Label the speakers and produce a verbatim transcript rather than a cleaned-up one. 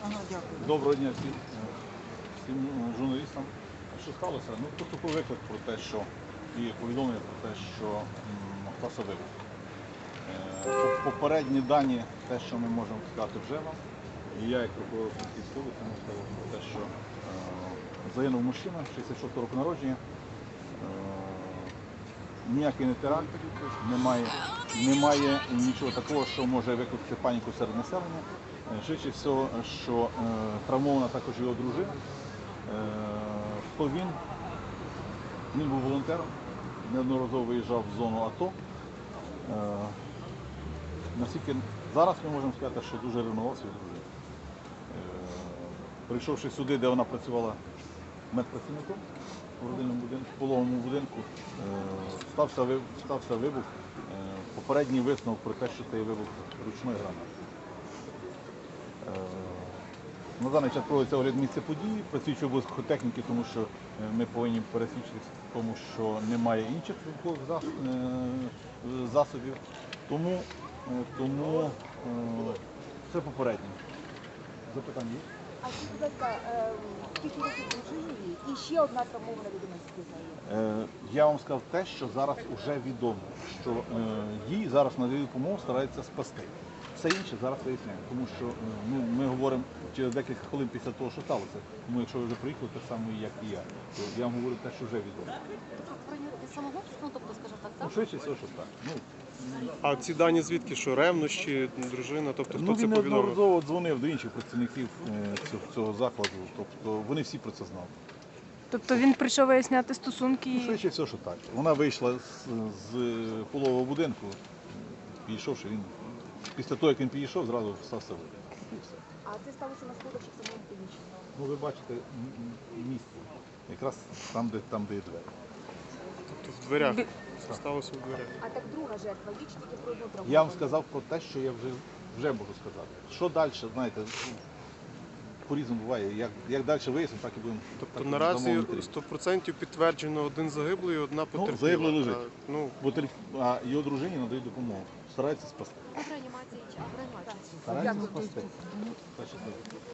Speaker 1: Ага, дякую.
Speaker 2: Доброго дня всім, всім журналістам. Що сталося? Ну, поступив виклик про те, що і повідомлення про те, що м, стався вибух. Е, по- Попередні дані, те, що ми можемо сказати вже вам, і я як прокурор Франківської області можу сказати про те, що е, загинув мужчина шістдесят шостого року народження. Е, ніякий не теракт, немає, немає нічого такого, що може викликати паніку серед населення. Е, Швидше всього, що е, травмована також його дружина. Е, хто він? Він був волонтером, неодноразово виїжджав в зону АТО. Е, наскільки зараз ми можемо сказати, що дуже ревнував свою дружину. Е, прийшовши сюди, де вона працювала медпрацівником у родинному будинку, в пологовому будинку, е, стався, ви- стався вибух. Е, попередній висновок про те, що цей вибух ручної гранати. Е, На даний час проводиться огляд місця події, працюють обов'язково техніки, тому що е, ми повинні пересвідчитися в тому, що немає інших вибухових зас- е, засобів. Тому, е, тому е, це попереднє. Запитання є?
Speaker 1: А скажіть, будь ласка, е, скільки років дружині і ще одна травмована людина скільки знає?
Speaker 2: Е, Я вам сказав те, що зараз вже відомо, що е, їй зараз надають допомогу, стараються спасти. Все інше зараз виясняємо, тому що е, ну, ми говоримо через декілька хвилин після того, що сталося. Тому якщо ви вже приїхали, так само, як і я, то я вам говорю те, що вже відомо.
Speaker 3: Самогубство, ну тобто, скажімо так,
Speaker 2: Ну,
Speaker 3: так?
Speaker 2: швидше всього, що так. Ну,
Speaker 4: А ці дані звідки? Що ревнощі, дружина? Тобто хто
Speaker 2: ну
Speaker 4: це
Speaker 2: він
Speaker 4: повідомив?
Speaker 2: неодноразово дзвонив до інших працівників е, цього, цього закладу, тобто вони всі про це знали.
Speaker 5: Тобто він прийшов виясняти стосунки.
Speaker 2: Ну,
Speaker 5: і-
Speaker 2: швидше всього, що так. Вона вийшла з, з пологового будинку, підійшовши, він після того, як він підійшов, зразу стався вибух. І все.
Speaker 1: А це сталося на сходах чи в самому приміщенні?
Speaker 2: Ну, ви бачите м- м- місце, якраз там, де, там, де є двері.
Speaker 4: Тобто в дверях.
Speaker 5: Бі-
Speaker 4: Сталося в дверях.
Speaker 1: А так друга жертва, є чи тільки про одну травму?
Speaker 2: Я вам сказав про те, що я вже, вже можу сказати. Що далі, знаєте, ну, по-різному буває. Як, як далі вияснимо, так і будемо.
Speaker 4: Тобто
Speaker 2: так і
Speaker 4: наразі
Speaker 2: дамо інтерв'ю.
Speaker 4: сто відсотків підтверджено один загиблий і одна потерпіла.
Speaker 2: загиблий лежить.
Speaker 4: А, ну,
Speaker 2: Бо телеф- а його дружині надають допомогу. Стараються спасти.
Speaker 3: В реанімації чи а в реанімації?
Speaker 2: Стараються спасти. Перше, це.